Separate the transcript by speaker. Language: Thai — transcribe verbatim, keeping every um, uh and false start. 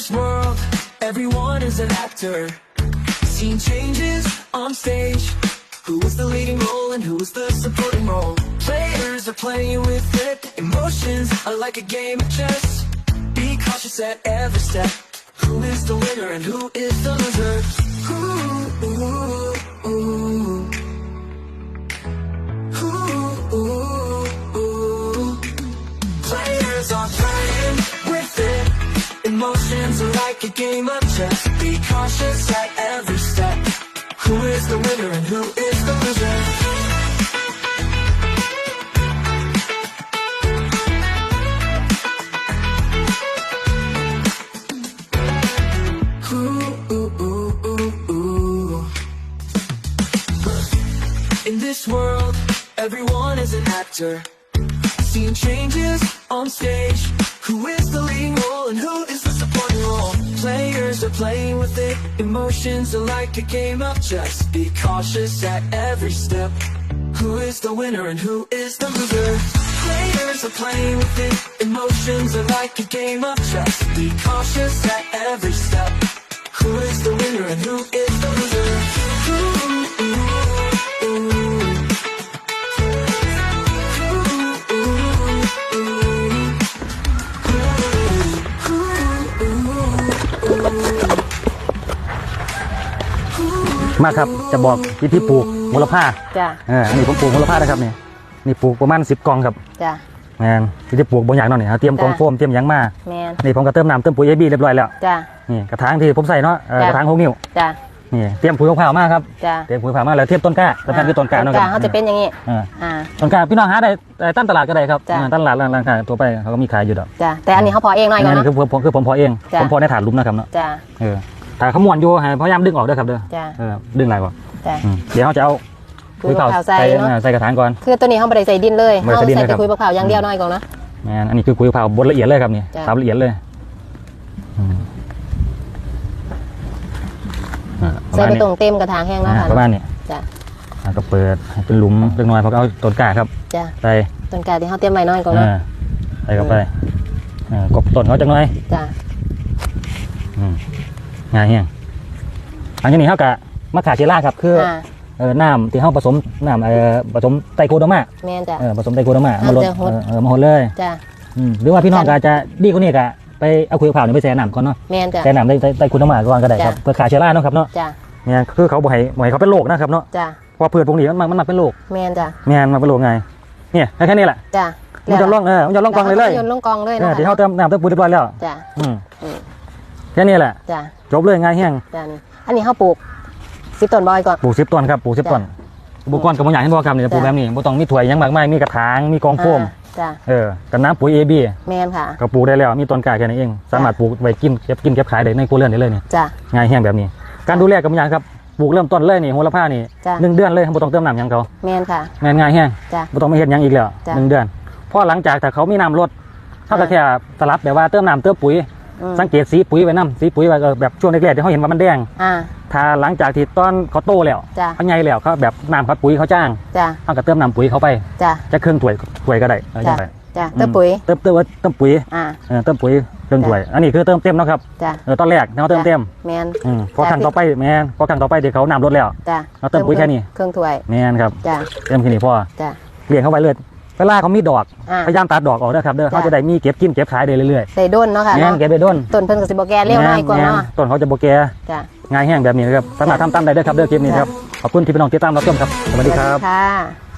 Speaker 1: this world, everyone is an actor. Scene changes on stage. Who is the leading role and who is the supporting role? Players are playing with it. Emotions are like a game of chess. Be cautious at every step. Who is the winner and who is the loser? Ooh, ooh, ooh. Ooh, ooh, ooh. Players are playing with it. Emotions are like a game of chess. Be cautious at every step. Who is the winner and who is the loser? Ooh, ooh, ooh, ooh, ooh. In this world, everyone is an actor. Scene changes on stage. Who is the leading role and who is the supporting role? Players are playing with it. Emotions are like a game of chess. Be cautious at every step. Who is the winner and who is the loser? Players are playing with it. Emotions are like a game of chess. Be cautious at every step. Who is the winner and who is the loser? Ooh, ooh, ooh.
Speaker 2: มาครับจะบอกวิธีปลูกโหระพา
Speaker 3: จ้ะ
Speaker 2: เอออันนี้ผมปลูกโหระพานะครับนี่นี่ปลูกประมาณสิบกล่องครับ
Speaker 3: จ้ะ
Speaker 2: แมนวิธีปลูกบางอย่างเนาะนี่เตรียมกล่องโฟมเตรียมหยังมา
Speaker 3: แมน
Speaker 2: นี่ผมก็เติมน้ำเติมปุ๋ยเอบีเรียบร้อยแล้ว
Speaker 3: จ้ะ
Speaker 2: นี่กระถางที่ผมใส่เนาะกระถางหกนิ้ว
Speaker 3: จ้ะ
Speaker 2: นี่เตรียมปุ๋ยมะพร้าวมาครับ
Speaker 3: จ้ะ
Speaker 2: เตรียมปุ๋ยมะพร้าวมาแล้วเทียบต้นกล้าต้นกล้าคือต้นกล้าเนาะครับ
Speaker 3: เขาจะเป็นอย่างนี้
Speaker 2: อ่าต้นกล้าพี่น้องหาได้ตั้งตลาดก็ได้ครับตั้งตลาดร้านค้าตัวไปเขาก็มีขายอยู่ดอก
Speaker 3: จ้ะแต่อันนี้เขาพอเองหน่อยก่อน
Speaker 2: นะคือผมคือผมพอเองผมพอในถาดลุมนะครับเนาะ
Speaker 3: จ้ะ
Speaker 2: เออแต่เขาม้วนอยู่พยายามดึงออกด้วยครับเด้อเออดึงอะไรวะเดี๋ยวเขาจะเอา
Speaker 3: คุยมะพร้าวใส่
Speaker 2: ใส่กระถางก่อน
Speaker 3: คือตัวนี้เขาไม่ได้ใส่ดินเลยเขาใส่แต่คุยมะพร้าวอย่างเดียวน้อยก่อนนะ
Speaker 2: แม่อันนี้คือคุยมะพร้าวบดละเอียดเลยครับนี่ทำละเอียดเลย
Speaker 3: ใส่ไปตรงเต็มกระถางแห้งแล้วค่ะ
Speaker 2: ประมาณนี้
Speaker 3: จ้ะ
Speaker 2: ก็เปิดเป็นหลุมเล็กน้อยเพราะเอาต้นกล้าครับ
Speaker 3: จ้ะ
Speaker 2: ใส่
Speaker 3: ต้นกล้าที่เขาเตรียมไว้น้อยก่อนนะ
Speaker 2: ใส่เข้าไปกบต้นเขาจังเลย
Speaker 3: จ้ะ
Speaker 2: ง่ายเฮียงอันนี้เขากะมะขามเชล่าครับคือเออน้ำที่เขาผสมน้ำเออผสมไตรโคโดมา
Speaker 3: แม่นจ้ะ
Speaker 2: เออผสมไตรโคโดมามาลดเออมาหดเลย
Speaker 3: จ้ะ
Speaker 2: หรือว่าพี่น้องก็จะดีกว่านี้ก็ไปเอาคุยข่าวนี่ไปแช่น้ำก่อนเนาะ
Speaker 3: แม่นจ้ะ
Speaker 2: แช่น้ำได้ไตรโคโดมาก่อนก็ได้ครับเพื่อขาเชล่าเนาะครับเนาะ
Speaker 3: จ้ะ
Speaker 2: เนี่ยคือเขาบอกให้บอกให้เขาเป็นโรคนะครับเนาะ
Speaker 3: จ้ะ
Speaker 2: เพราะพืชพวกนี้มันมันมาเป็นโรค
Speaker 3: แม่นจ้ะ
Speaker 2: แม่นมาเป็นโรคไงเนี่ยแค่นี้แหละ
Speaker 3: จ้ะ
Speaker 2: มันจะล่องเออมันจะล่องกองเลยเลย
Speaker 3: ยนล่องกองเลยนะ
Speaker 2: ที่เขาเติมน้ำเติมปุ๋ยเรียบร้อยแล้ว
Speaker 3: จ้ะ
Speaker 2: อืมแค่นี้แหละ
Speaker 3: จ้ะ
Speaker 2: จบเลยง่ายเฮี้ยง
Speaker 3: จ้ะนี่อันนี้เขาปลูกสิบต้นบอยก่อน
Speaker 2: ปลูกสิบต้นครับปลูกสิบต้นบุกก้อนกับบุญใหญ่ให้บอกกรรมเนี่ยปลูกแบบนี้บุต้องมีถั่วยังมากมายมีกระถางมีกองโฟมเออกับน้ำปุ๋ยเอบี
Speaker 3: แมนค่ะ
Speaker 2: ก็ปลูกได้แล้วมีต้นกล้าแค่นี้เองสามารถปลูกไว้กินเก็บกินเก็บขายได้ในครัวเรือนได้เลยเนี่ยง่ายเฮี้ยงแบบนี้การดูแลกับบุญใหญ่ครับปลูกเริ่มต้นเลยนี่โหระพานี่หนึ่งเดือนเลยบุต้องเติมน้ำยังเขา
Speaker 3: แมนค่ะ
Speaker 2: แมนง่ายเฮี้ยงบุต้องไม่เห็นยังอีกแล้วหนึ่งเดือนพอหลังจากถ้าเขามีน้ำลดเขาก็แค่สลับแบบว่าเติมน้ำเติมปุ๋ยสังเกตสีปุ๋ยไว้น้ำสีปุ๋ยไว้แบบช่วงแรกๆที่เขาเห็นว่ามันแดงถ้าหลังจากที่ต้นเขาโตแล้วเขาใหญ่แล้วเขาแบบน้ำเขาปุ๋ยเขาจ้างเขาก็เติมน้ำปุ๋ยเขาไปจะเครื่องถ้วยถ้วยก็ได้
Speaker 3: เติมปุ๋ย
Speaker 2: เติมเติมเติมปุ๋ยเติมปุ๋ยเครื่องถ้วยอันนี้คือเติมเต็มนะครับตอนแรกเขาเติมเต็ม
Speaker 3: แมน
Speaker 2: พอครั้งต่อไปแมนพอครั้งต่อไปเดี๋ยวเขาน้ำลดแล้วเราเติมปุ๋ยแค่นี้
Speaker 3: เครื่องถ้วย
Speaker 2: แมนครับเติมแค่นี้พอเลี้ยงเข้าไปเลยเวลาเขามีดอกพยายามตัดดอกออกด้วยครับเด้อเขาจะได้มีเก็บกินเก็บขายได้เรื่อย
Speaker 3: ๆใส่ด้นเนาะค่ะ
Speaker 2: แง่เก็บไปด้น
Speaker 3: ต้นเพิ่นกับสิบโบแกเลี้ยวง่ายกว่าเนาะ
Speaker 2: ต้นเขาจะโบแกง่ายแห้งแบบนี้นะครับสามารถทำตามได้ด้วยครับเด้อคลิปนี้ครับขอบคุณที่พี่น้องติดตามรับชมครับสวัสดีครับ